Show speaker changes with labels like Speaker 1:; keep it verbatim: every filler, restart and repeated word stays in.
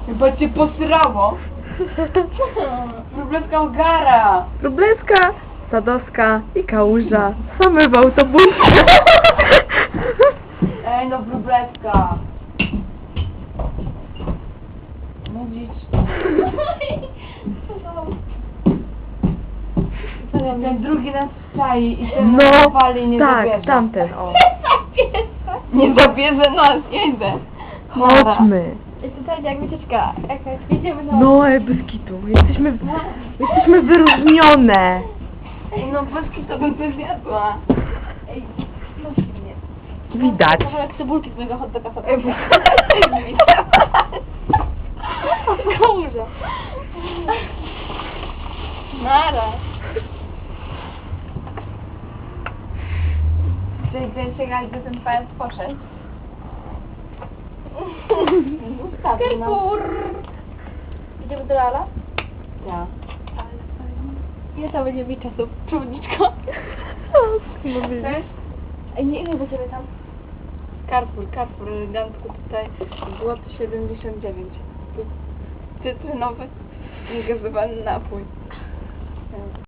Speaker 1: Chyba cię posrało. Wróbleska ogara.
Speaker 2: Wróbleska, Sadowska i Kałuża. Same w autobusie.
Speaker 1: Ej no Wróbleska. Mówić. Ten drugi nas czai i ten nas
Speaker 2: No,
Speaker 1: wali nie
Speaker 2: tak,
Speaker 1: zabierze.
Speaker 2: tamten, o.
Speaker 1: Nie zabierze nas, jedę.
Speaker 2: Chodźmy.
Speaker 3: Jest to tak jak wycieczka. Jakaś, jedziemy na...
Speaker 2: No, ej, bez kitu. Jesteśmy, jesteśmy wyróżnione.
Speaker 1: Ej no bez to bym coś zjadła.
Speaker 3: Ej, no mnie.
Speaker 2: Widać.
Speaker 3: Kawałek cebulki z mojego hot doga sobie.
Speaker 1: Ej,
Speaker 3: Kałuża. Nara.
Speaker 1: Czyli czekaj, gdy ten pajac poszedł.
Speaker 3: Kerkur. Idziemy do Lala?
Speaker 1: Ja.
Speaker 3: Ile to będzie mi czasu? Przewodniczko?
Speaker 1: Cześć.
Speaker 3: Ej, nie, ile do ciebie tam?
Speaker 1: Carrefour, Carrefour, elegancko tutaj, złoty siedemdziesiąt dziewięć. Tu cytrynowy, gazowany napój.